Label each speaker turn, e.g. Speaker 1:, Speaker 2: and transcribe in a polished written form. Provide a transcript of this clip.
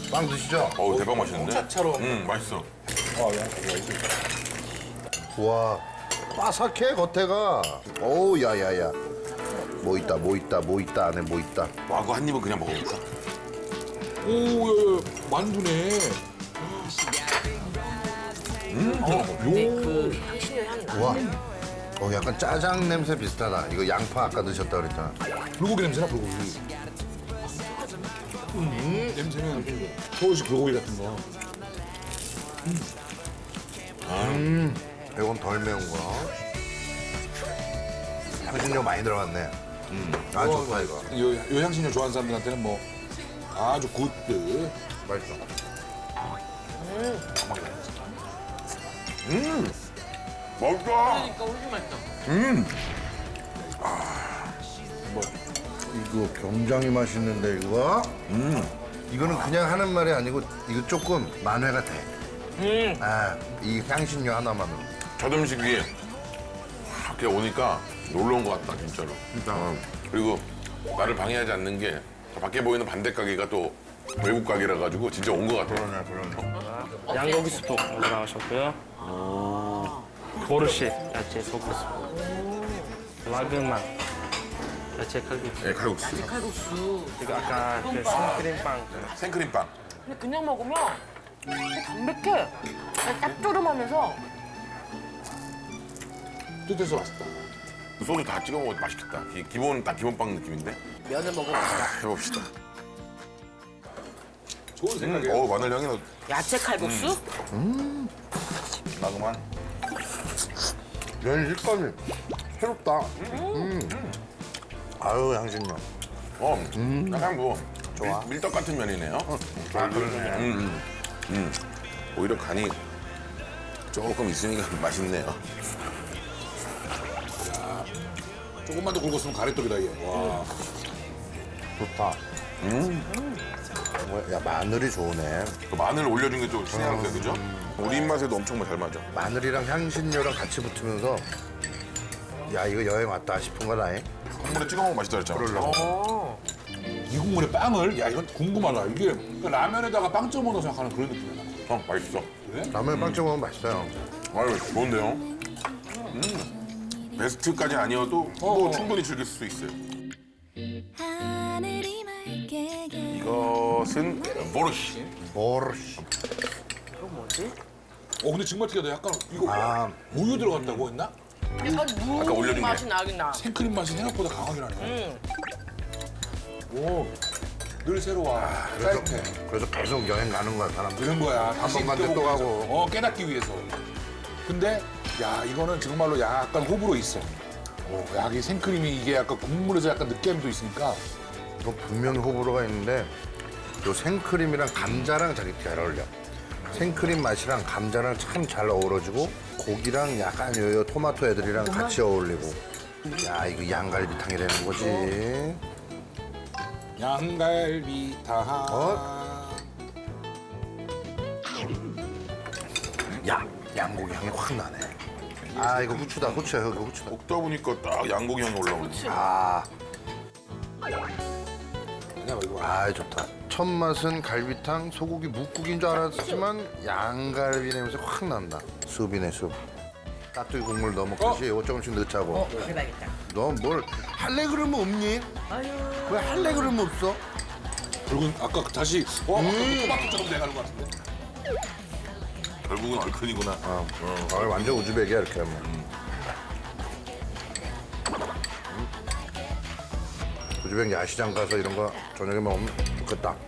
Speaker 1: 빵 드시죠?
Speaker 2: 어우 대박 맛있는데?
Speaker 3: 홍차처럼.
Speaker 2: 맛있어.
Speaker 1: 우와, 바삭해 겉에가. 어우, 야야야. 뭐 있다, 뭐 있다, 뭐 있다, 안에 뭐 있다.
Speaker 2: 와 그거 한 입은 그냥 먹어볼까?
Speaker 3: 오, 야, 만두네.
Speaker 4: 그 향신료 향이 나.
Speaker 1: 우와. 약간 짜장 냄새 비슷하다. 이거 양파 아까 드셨다 그랬잖아.
Speaker 3: 불고기 냄새나, 불고기. 냄새는 서울식 불고기 같은 거.
Speaker 1: 이건 덜 매운 거. 향신료 많이 들어갔네. 아주 좋다 이거.
Speaker 3: 요 향신료 좋아하는 사람들한테는 뭐 아주 굿드.
Speaker 1: 맛있어.
Speaker 2: 맛있다.
Speaker 4: 그러니까 훨씬 맛있다.
Speaker 1: 이거 굉장히 맛있는데 이거. 이거는 그냥 하는 말이 아니고 이거 조금 만회가 돼. 이 향신료 하나만으로.
Speaker 2: 첫 음식이 이렇게 오니까 놀러 온 것 같다 진짜로. 그리고 나를 방해하지 않는 게 밖에 보이는 반대 가게가 또 외국 가게라 가지고 진짜 온 것 같아.
Speaker 1: 그러네.
Speaker 5: 양고기 스프 먼저 나오셨고요. 보르시 야채 소스. 라그만 야채 칼국수.
Speaker 2: 네, 칼국수.
Speaker 4: 칼국수.
Speaker 5: 그리고 아까 그 생크림빵.
Speaker 2: 생크림빵.
Speaker 4: 근데 그냥 먹으면 되게 담백해. 짭조름하면서
Speaker 3: 뜻해서 맛있다.
Speaker 2: 소주 다 찍어 먹어도 맛있겠다. 기본 딱 기본빵 느낌인데.
Speaker 4: 면을 먹어봅시다.
Speaker 2: 해봅시다.
Speaker 3: 좋은 생각이에요.
Speaker 2: 마늘 향이 나.
Speaker 4: 야채 칼국수?
Speaker 2: 나그만.
Speaker 1: 면 식감이 새롭다. 아유 향신료.
Speaker 2: 약간 뭐
Speaker 1: 좋아.
Speaker 2: 밀떡 같은 면이네요.
Speaker 1: 그러네.
Speaker 2: 오히려 간이 조금 있으니까 맛있네요.
Speaker 3: 조금만 더 굵었으면 가래떡이다, 이게. 와.
Speaker 1: 좋다. 야 마늘이 좋으네.
Speaker 2: 그 마늘 올려준 게 좀 신의 한 수야, 그죠? 우리 입맛에도 엄청 잘 맞아.
Speaker 1: 마늘이랑 향신료랑 같이 붙으면서 야 이거 여행 왔다 싶은 거다.
Speaker 2: 국물에 찍어 먹으면 맛있다 그랬잖아.
Speaker 1: 그러려고.
Speaker 3: 이 국물에 빵을? 야, 이건 궁금하다. 이게 그 라면에다가 빵 쪄 먹는다고 생각하는 그런 느낌이야.
Speaker 2: 맛있어.
Speaker 1: 라면 빵 찍어 먹으면 맛있어요.
Speaker 2: 아유, 좋은데요? 베스트까지 아니어도 뭐 충분히 즐길 수 있어요. 이것은 보르시.
Speaker 1: 보르시.
Speaker 3: 근데 정말 특이하다. 약간 이거
Speaker 1: 아
Speaker 3: 우유 들어갔다고 했나?
Speaker 4: 약간
Speaker 2: 아까 올려준
Speaker 4: 무
Speaker 2: 게.
Speaker 4: 맛이 나긴 나.
Speaker 3: 생크림 맛이 생각보다 강하게 나네. 오, 늘 새로워. 짜릿해.
Speaker 1: 그래서 계속 여행 가는 거야 사람들.
Speaker 3: 이런 거야. 다시
Speaker 1: 번 간데 또
Speaker 3: 느껴보기
Speaker 1: 가고.
Speaker 3: 위해서. 깨닫기 위해서. 근데 야 이거는 정말로 약간 호불호 있어. 야, 이 생크림이 이게 약간 국물에서 약간 느끼함도 있으니까.
Speaker 1: 이거 분명히 호불호가 있는데 요 생크림이랑 감자랑 되게 잘 어울려. 생크림 맛이랑 감자랑 참 잘 어우러지고 고기랑 약간 요 토마토 애들이랑 같이 어울리고. 야 이거 양갈비탕이 되는 거지.
Speaker 3: 양갈비탕.
Speaker 1: 야 양고기 향이 확 나네. 아 이거 후추다 후추야 이거 후추다.
Speaker 2: 먹다 보니까 딱 양고기 향이 올라오네.
Speaker 1: 아,
Speaker 3: 아니야, 이거.
Speaker 1: 아 좋다. 첫 맛은 갈비탕 소고기 묵국인 줄 알았지만 양갈비 냄새 확 난다. 숲이네 숲. 깍두기 국물 넣어먹듯이 이거 조금씩 넣자고.
Speaker 4: 해봐야겠다.
Speaker 1: 너 뭘 할래 그러면 없니?
Speaker 4: 아유.
Speaker 1: 왜 할래 그러면 없어?
Speaker 3: 그리고 아까 다시 아까 그 토마토처럼 돼가는 것 같은데.
Speaker 2: 결국은 얼큰이구나.
Speaker 1: 완전 우즈벡이야 이렇게 하면. 우즈벡 야시장 가서 이런 거 저녁에 먹으면 좋겠다.